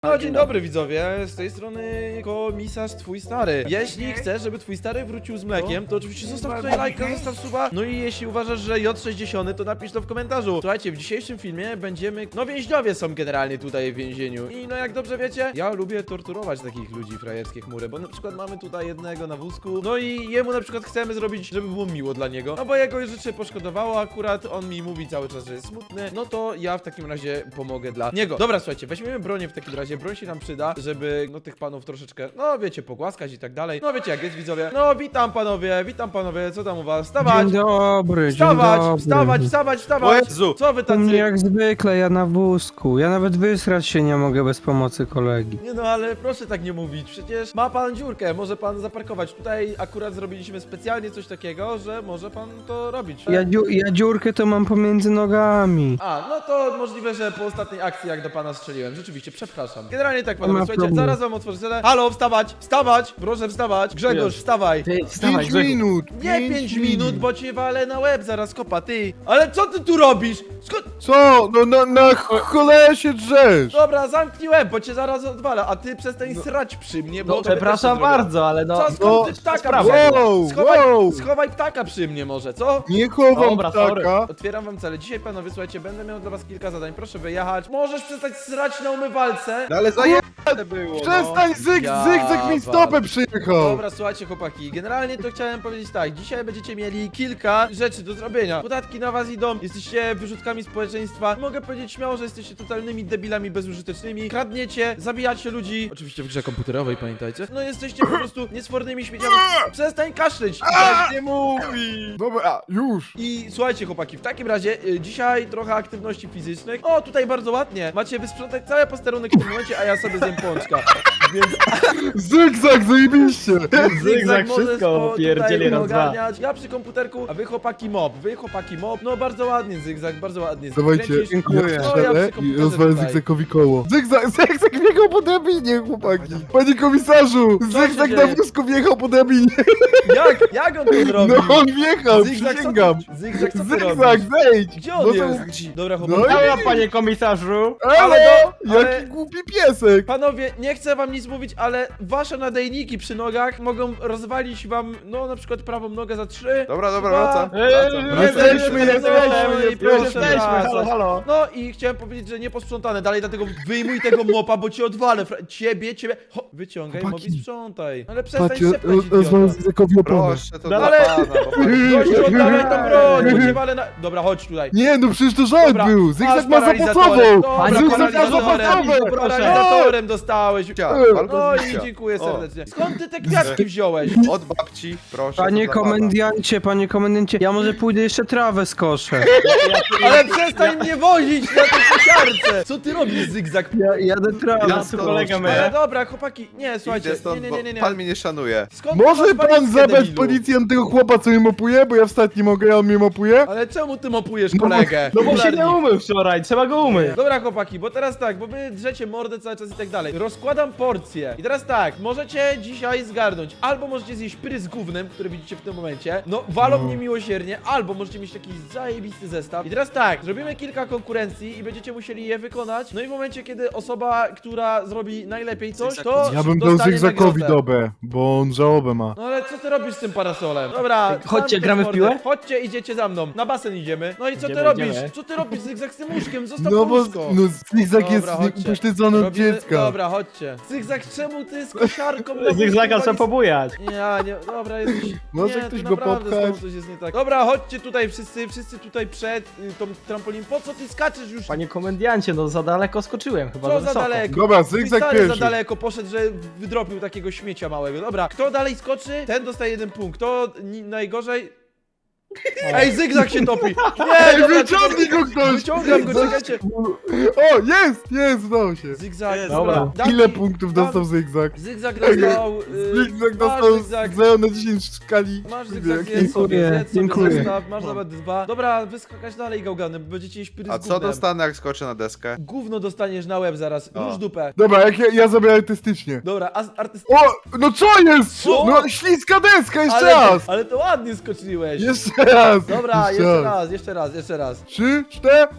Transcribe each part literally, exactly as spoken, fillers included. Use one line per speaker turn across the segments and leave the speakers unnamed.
No, dzień dobry widzowie, z tej strony komisarz twój stary. Jeśli chcesz, żeby twój stary wrócił z mlekiem, to oczywiście zostaw tutaj lajka, zostaw suba. No i jeśli uważasz, że J sześćdziesiąt, to napisz to w komentarzu. Słuchajcie, w dzisiejszym filmie będziemy... No więźniowie są generalnie tutaj w więzieniu. I no jak dobrze wiecie, ja lubię torturować takich ludzi, frajerskie chmury, bo na przykład mamy tutaj jednego na wózku. No i jemu na przykład chcemy zrobić, żeby było miło dla niego. No bo jego życie poszkodowało akurat, on mi mówi cały czas, że jest smutny. No to ja w takim razie pomogę dla niego. Dobra, słuchajcie, weźmiemy bronię w takim razie. Broń się nam przyda, żeby no tych panów troszeczkę, no wiecie, pogłaskać i tak dalej. No wiecie jak jest, widzowie. No witam panowie, witam panowie, co tam u was? Wstawać!
Dzień dobry,
Wstawać,
dzień dobry.
wstawać, wstawać, wstawać!
Jezu.
Co wy
U mnie
tacy?
jak zwykle, ja na wózku. Ja nawet wysrać się nie mogę bez pomocy kolegi.
Nie no, ale proszę tak nie mówić, przecież ma pan dziurkę, może pan zaparkować. Tutaj akurat zrobiliśmy specjalnie coś takiego, że może pan to robić.
Ja, dziu ja dziurkę to mam pomiędzy nogami.
A, no to możliwe, że po ostatniej akcji jak do pana strzeliłem. Rzeczywiście, przepraszam. Generalnie tak,
Nie
panowie,
ma
słuchajcie,
problemu.
zaraz wam otworzę celę. Halo, wstawać, wstawać! Proszę wstawać. Grzegorz, wstawaj.
Ty, wstawaj,
Pięć
Grzegorz.
minut!
Nie pięć minut, bo cię walę na łeb zaraz kopa, ty! Ale co ty tu robisz? Skąd?
Co? No na, na cholerę się drzesz!
Dobra, zamknij łeb, bo cię zaraz odwala, a ty przestań srać przy mnie, bo...
No,
to też
przepraszam
to zrobię.
bardzo, ale no...
Co,
no,
skąd ty ptaka
sprawa.
przyszedł?
Wow,
Schowaj,
wow.
schowaj ptaka przy mnie może, co?
Nie chowam
Dobra, sorry.
ptaka!
Otwieram wam cele. Dzisiaj, panowie, słuchajcie, będę miał dla was kilka zadań, proszę wyjechać. Możesz przestać srać na umywalce.
No ale zajebane było! Przestań, zyg,
Ja
zygzak mi stopę przyjechał!
Dobra, słuchajcie chłopaki, generalnie to chciałem powiedzieć tak, dzisiaj będziecie mieli kilka rzeczy do zrobienia. Podatki na was idą, jesteście wyrzutkami społeczeństwa. Mogę powiedzieć śmiało, że jesteście totalnymi debilami bezużytecznymi. Kradniecie, zabijacie ludzi. Oczywiście w grze komputerowej, pamiętajcie. No jesteście po prostu niesfornymi śmieciami. Przestań kaszleć!
Tak nie mówi! Dobra, już!
I słuchajcie chłopaki, w takim razie y, dzisiaj trochę aktywności fizycznych. O, tutaj bardzo ładnie. Macie wysprzątać cały posterunek w tym momencie, a ja sobie zjem pączka. Więc
Zygzak, zajebiście!
Zygzak
możesz
wszystko
po-
pierdzieli
tutaj
raz, dwa.
ogarniać. Ja przy komputerku, a wy chłopaki mob, wy chłopaki mob. No bardzo ładnie Zygzak, bardzo ładnie.
Dawajcie,
Kręcisz-
dziękuję.
No, ja
strzelę
przy
i
komputerze
rozwalę
tutaj.
zygzakowi koło. Zygzak, zygzak wjechał po drabinie, chłopaki! Panie komisarzu!
się
Zygzak na
dzieje?
wózku wjechał po drabinie!
Jak? Jak on to zrobił?
No on wjechał,
Zygzak, co
przysięgam!
ty- Zygzak, co ty
Zygzak,
robisz?
zejdź!
Gdzie on
No to-
jest? Dobra
No
chłopaki.
i-
Halo, panie komisarzu!
Ale
Ale,
do- ale-
jaki głupi piesek!
Panowie, nie chcę wam nic mówić, ale wasze nadajniki przy nogach mogą rozwalić wam, no na przykład prawą nogę za trzy.
Dobra, dobra,
dwa,
wracam.
Eee,
Jesteśmy,
jeden,
jesteśmy,
no i proszę
jesteśmy,
wracać.
halo, halo.
No i chciałem powiedzieć, że nie posprzątane dalej, dlatego wyjmuj tego mopa, bo cię odwalę. fra- Ciebie, ciebie. Ho, wyciągaj
Chłopaki.
mob i sprzątaj. Ale przestań
Patrzcie,
szeptać,
rozwalę
idioto.
Zygzakowi oponę.
Proszę, to
No
dla
ale-
pana, bo pan...
Gościu, oddawaj tą broń, bo cię walę na... Dobra, chodź tutaj.
Nie, no przecież to żart
Dobra,
był!
masz
Zygzak ma
paralizatorem.
zapasował!
Dobra,
Panie
Zygzak ma
paralizatorem.
zapasował!
Paralizatorem dostałeś.
Cia,
No
albo
No i
zbicia.
dziękuję
O,
serdecznie. Skąd ty te kwiatki wziąłeś?
Od babci, proszę.
Panie
to dla pana.
komendancie, panie komendancie, ja może pójdę jeszcze trawę skoszę.
Ale przestań mnie wozić na tej kosiarce! Co ty robisz, Zygzak?
Ja jadę trawę.
Ja tu kolega
Ale
my.
dobra, chłopaki, nie, słuchajcie,
Idę
nie,
stąd,
nie,
bo
nie, nie, nie.
pan mnie nie szanuje.
Skąd ty
Może
masz
pan
walizkę,
zabrać
debilu?
policjant tego chłopa, co mnie mopuje, bo ja wstać nie mogę, a on mnie mopuje?
Ale czemu ty mopujesz kolegę?
No bo się
Cholernik.
nie umył wczoraj, trzeba go umyć.
Dobra chłopaki, bo teraz tak, bo wy drzecie mordę cały czas i tak dalej. Rozkładam porcje. I teraz tak, możecie dzisiaj zgarnąć. Albo możecie zjeść pyry z gównem, które widzicie w tym momencie. No, walą
No.
mnie miłosiernie. Albo możecie mieć taki zajebisty zestaw. I teraz tak, zrobimy kilka konkurencji i będziecie musieli je wykonać. No i w momencie, kiedy osoba, która zrobi najlepiej coś, to
Ja bym dał
dostanie
Zygzakowi
nagrodę.
dobę, bo on żałobę ma.
No ale co ty robisz z tym parasolem? Dobra,
Chodźcie,
zamknij
gramy w
mordę.
piłę?
Chodźcie, idziecie za mną. Na basen idziemy. No i co ty
Idziemy,
robisz?
idziemy.
Co ty robisz, Zygzak, z tym łóżkiem? Zostaw
No bo
łóżko.
no, Zygzak jest
Dobra, chodźcie.
upośledzony od
Robimy-
dziecka.
Dobra, chodźcie. Zygzak, czemu ty z kosiarką? na
Zygzaka
wózku
trzeba pobujać.
walisz- Nie, nie, dobra, jesteś...
Może
nie,
ktoś
ty
go
naprawdę z tobą
popchać?
coś jest nie tak. Dobra, chodźcie tutaj wszyscy, wszyscy tutaj przed y, tą trampolin. Po co ty skaczesz już?
Panie komendancie, no za daleko skoczyłem, chyba
Co
za
za
wysoko.
daleko?
Dobra,
Twój
Zygzak
stary za
pierwszy.
daleko poszedł, że wydropił takiego śmiecia małego. Dobra, kto dalej skoczy, ten dostaje jeden punkt. Kto ni- najgorzej... Ej, Zygzak się topi! Nie,
Ej,
dobra,
wyciągnij go ktoś!
Wyciągam go, czekajcie!
O, jest, jest, udało się.
Zygzak,
Jest,
dobra.
dobra.
dam
Ile
ci-
punktów
dam-
dostał Zygzak?
Zygzak dostał... y,
Zygzak
masz,
dostał
Zygzak.
zero na dziesięć w skali.
Masz
Wiek.
Zygzak, zjedz sobie,
Dziękuję,
zjedz sobie
dziękuję.
zestaw, masz nawet dwa. Dobra, wyskakać dalej, gałgany, bo będziecie jeść pyry z
A co
gównem.
dostanę, jak skoczę na deskę?
Gówno dostaniesz na łeb zaraz,
O.
róż dupę.
Dobra, jak ja, ja zrobię artystycznie.
Dobra, a artyst...
O, no co jest?
Co?
No śliska deska, jeszcze
ale,
raz!
ale to ładnie skoczyłeś.
Jeszcze raz!
Dobra, jeszcze raz, jeszcze raz, jeszcze raz.
Trzy, cztery.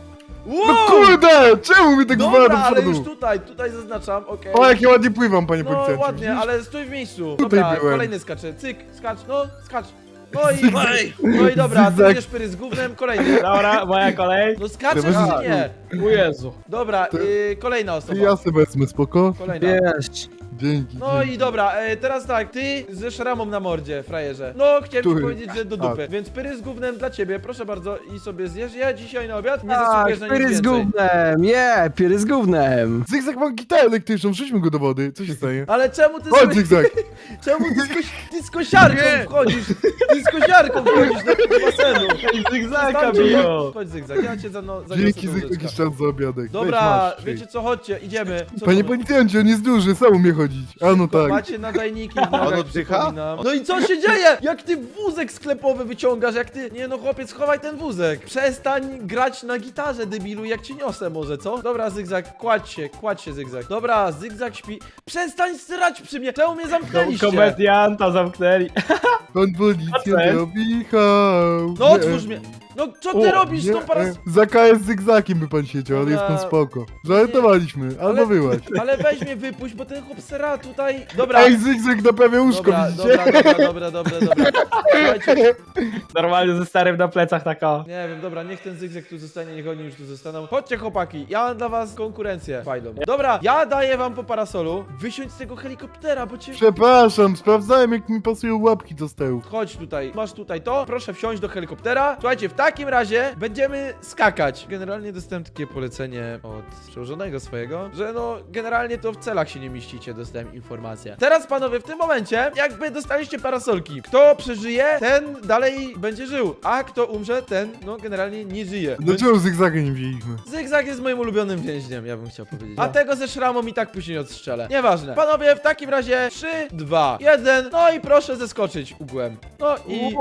Wow!
No kurde, czemu mi tak zwala
Dobra,
do
ale już
przodu?
tutaj, tutaj zaznaczam, okej.
O, jak ja ładnie pływam, panie
No
policjancie.
ładnie,
widzisz?
ale stój w miejscu.
Tutaj
Dobra,
byłem.
kolejny skacze. Cyk, skacz, no, skacz. No i, no i dobra, ty
Zygzak.
będziesz pyry z gównem, kolejny.
Dobra, moja kolej.
No skaczesz
Dobra.
czy nie?
O Jezu.
Dobra,
Ty-
y, kolejna osoba.
Ja sobie wezmę, spoko?
Kolejna.
Wiesz.
Dzięki.
No
dzięki.
i dobra, e, teraz tak, ty ze szramą na mordzie, frajerze. No, chciałem ci
Który?
powiedzieć, że do dupy. Więc pyry z gównem dla ciebie, proszę bardzo, i sobie zjesz. Ja dzisiaj na obiad nie
Tak,
zasługujesz na nic
piry z
więcej.
gównem, nie, piry z gównem.
Zygzak ma gitarę elektryczną, wrzućmy go do wody. Co się stanie?
Ale czemu ty,
Chodź,
z,
Zygzak.
czemu ty, z, koś, ty z kosiarką wchodzisz? Ty z kosiarką wchodzisz do tego basenu.
Zygzaka
Zostawcie
biją.
go. Chodź zygzak, ja cię za no, zaniosę
Dzięki,
do
Zygzak,
łóżeczka.
jeszcze raz za obiadek. Weź,
Dobra,
masz,
wiecie co, chodźcie, idziemy. Co
Panie
to-
policjancie, on jest duży, sam umie chodzić. A no tak.
Macie nadajniki w nogach,
On oddycha?
przypominam. No i co się dzieje? Jak ty wózek sklepowy wyciągasz, jak ty... Nie no chłopiec, schowaj ten wózek. Przestań grać na gitarze, debilu, jak ci niosę może, co? Dobra, Zygzak, kładź się, kładź się, Zygzak. Dobra, Zygzak śpi. Przestań srać przy mnie, czemu mnie zamknęliście?
Komedianta zamknęli.
Pan
A
policjant
co jest?
robi hał.
No
Nie,
otwórz mnie. No co ty
o,
robisz z
nie,
tą paras...
e, Za K S Zygzakiem by pan siedział, ale
Dobra.
jest pan spoko. Żartowaliśmy, albo
Ale-
wyłaź.
Ale weź mnie wypuść, bo ten chłop sera tutaj... Dobra.
Ej, Zygzak naprawia łóżko,
Dobra,
widzicie?
dobra, dobra, dobra, dobra, dobra. Słuchajcie,
Normalnie ze starym na plecach taka.
nie wiem, dobra, niech ten Zygzak tu zostanie, niech oni już tu zostaną. Chodźcie chłopaki, ja mam dla was konkurencję fajną. Dobra, ja daję wam po parasolu wysiąść z tego helikoptera, bo cię...
Przepraszam, sprawdzałem jak mi pasują łapki do stełów.
Chodź tutaj, masz tutaj to, proszę wsiąść do helikoptera. Słuchajcie, w takim razie będziemy skakać. Generalnie dostałem takie polecenie od przełożonego swojego, że no, generalnie to w celach się nie mieścicie, dostałem informację. Teraz panowie, w tym momencie, jakby dostaliście parasolki. Kto przeżyje, ten dalej będzie żył, a kto umrze, ten, no, generalnie nie żyje.
Dlaczego Zygzaka nie wzięliśmy?
Zygzak jest moim ulubionym więźniem, ja bym chciał powiedzieć. A tego ze szramą i tak później odstrzelę. Nieważne. Panowie, w takim razie trzy, dwa, jeden. No i proszę zeskoczyć ugłem. No i...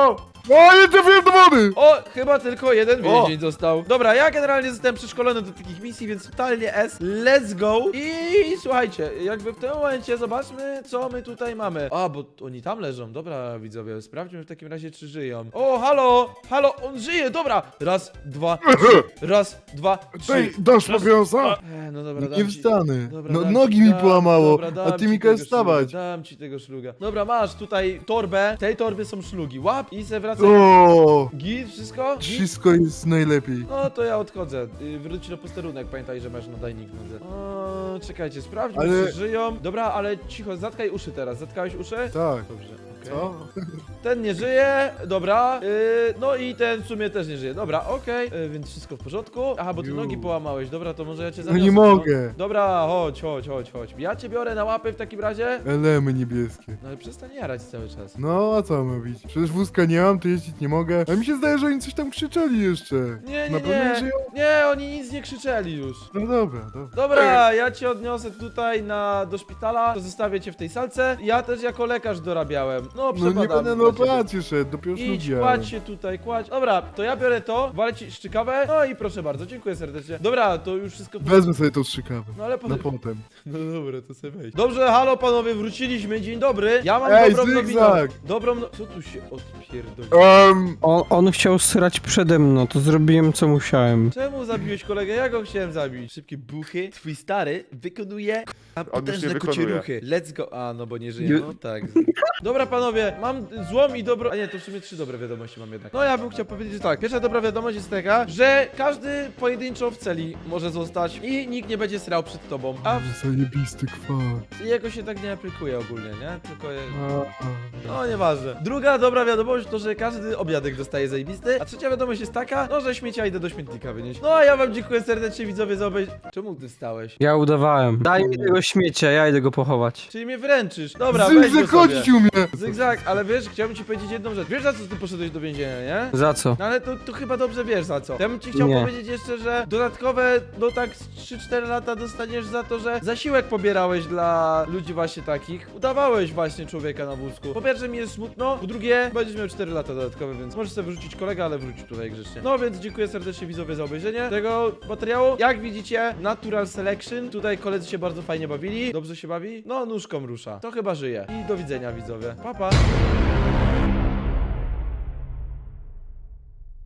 O, nie trafiłem do wody!
O, chyba tylko jeden
O!
więzień został. Dobra, ja generalnie zostałem przeszkolony do takich misji, więc totalnie S. Let's go. I słuchajcie, jakby w tym momencie zobaczmy, co my tutaj mamy. A, bo oni tam leżą. Dobra, widzowie, sprawdźmy w takim razie, czy żyją. O, halo, halo, on żyje, dobra. Raz, dwa, trzy. Raz, dwa, trzy.
Ej, dasz papierosa?
E, no dobra,
Nie
dam ci-
wstanę.
Dobra,
No,
dam
nogi
ci-
mi
dam-
połamało,
dobra, dam
a ty
ci
mi
tego
każesz wstawać.
szluga, Dam ci tego szluga. Dobra, masz tutaj torbę. W tej torbie są szlugi. Łap i se wracaj.
O,
Git, wszystko? Git?
wszystko jest najlepiej.
No to ja odchodzę. Y, Wróć na posterunek, pamiętaj, że masz nadajnik w nodze. O, czekajcie, sprawdźmy,
Ale-
czy żyją. Dobra, ale cicho, zatkaj uszy teraz. Zatkałeś uszy?
Tak.
Dobrze, okej.
Co?
Ten nie żyje, dobra. Y, no i ten w sumie też nie żyje. Dobra, okej, y, więc wszystko w porządku. Aha, bo ty
Ju.
nogi połamałeś. Dobra, to może ja cię
No
zaniosę.
nie
co?
mogę.
Dobra, chodź, chodź, chodź, chodź. Ja cię biorę na łapy w takim razie.
Elemy niebieskie.
No ale przestań jarać cały czas.
No, a co mam robić? Przecież wózka nie mam, to jeździć nie mogę. A mi się zdaje, że oni coś tam krzyczeli jeszcze.
Nie,
Na
nie,
pewno
nie.
żyją?
Nie, oni nic nie krzyczeli już.
No dobra, dobra.
Dobra, ja cię odniosę tutaj na, do szpitala, to zostawię cię w tej salce. Ja też jako lekarz dorabiałem. No,
No
przebadam.
nie będę na
dla ciebie.
operację szedł, dopiero
Idź,
szlugiałem.
kładź się tutaj, kładź. Dobra, to ja biorę to, walę ci szczykawę. No i proszę bardzo, dziękuję serdecznie. Dobra, to już wszystko...
Wezmę sobie tą strzykawę.
No ale
Na
potem...
potem.
No dobra, to sobie wejdź. Dobrze, halo panowie, wróciliśmy, dzień dobry. Ja mam
Ej,
dobrą nowinę.
Zygzak!
Dobrą no... Co tu się odpierdoli?
Um,
On, on chciał srać przede mną, to zrobiłem co musiałem.
Czemu zabiłeś kolegę? Ja go chciałem zabić. Szybkie buchy. Twój stary wykonuje a potężne
nie
kocie
wykonuje.
ruchy. Let's go. A, no bo nie żyje.
Nie-
No tak. Dobra panowie, mam złą i dobrą... A nie, to w sumie trzy dobre wiadomości mam jednak. No ja bym chciał powiedzieć, że tak. Pierwsza dobra wiadomość jest taka, że każdy pojedynczo w celi może zostać i nikt nie będzie srał przed tobą. A w...
zajebisty kwar.
jego się tak nie aplikuje ogólnie, nie? Tylko... Je...
A, a.
No nieważne. Druga dobra wiadomość to, że każdy obiadek dostaje zajebisty. A trzecia wiadomość jest taka, no że śmiecia idę do śmietnika wynieść. No a ja wam dziękuję serdecznie widzowie za obejrzenie. Czemu ty stałeś?
Ja udawałem. Daj mi tego śmiecia, ja idę go pochować.
Czyli mnie wręczysz. Dobra, weź go
Zygzak
sobie.
chodzić umie!
Zygzak, ale wiesz, chciałbym ci powiedzieć jedną rzecz. Wiesz za co ty poszedłeś do więzienia, nie?
Za co?
No ale to, to chyba dobrze wiesz za co. Ja bym ci chciał
Nie.
powiedzieć jeszcze, że dodatkowe, no tak z trzy cztery lata dostaniesz za to, że zasiłek pobierałeś dla ludzi właśnie takich. Udawałeś właśnie człowieka na wózku. Po pierwsze mi jest smutno, po drugie będziesz miał cztery lata dodatkowe, więc możesz sobie wyrzucić kolegę, ale wróć tutaj grzecznie. No więc dziękuję serdecznie widzowie za obejrzenie tego materiału. Jak widzicie, Natural Selection. Tutaj koledzy się bardzo fajnie bawili. Dobrze się bawi? No, nóżką rusza. To chyba żyje. I do widzenia widzowie. Pa, pa.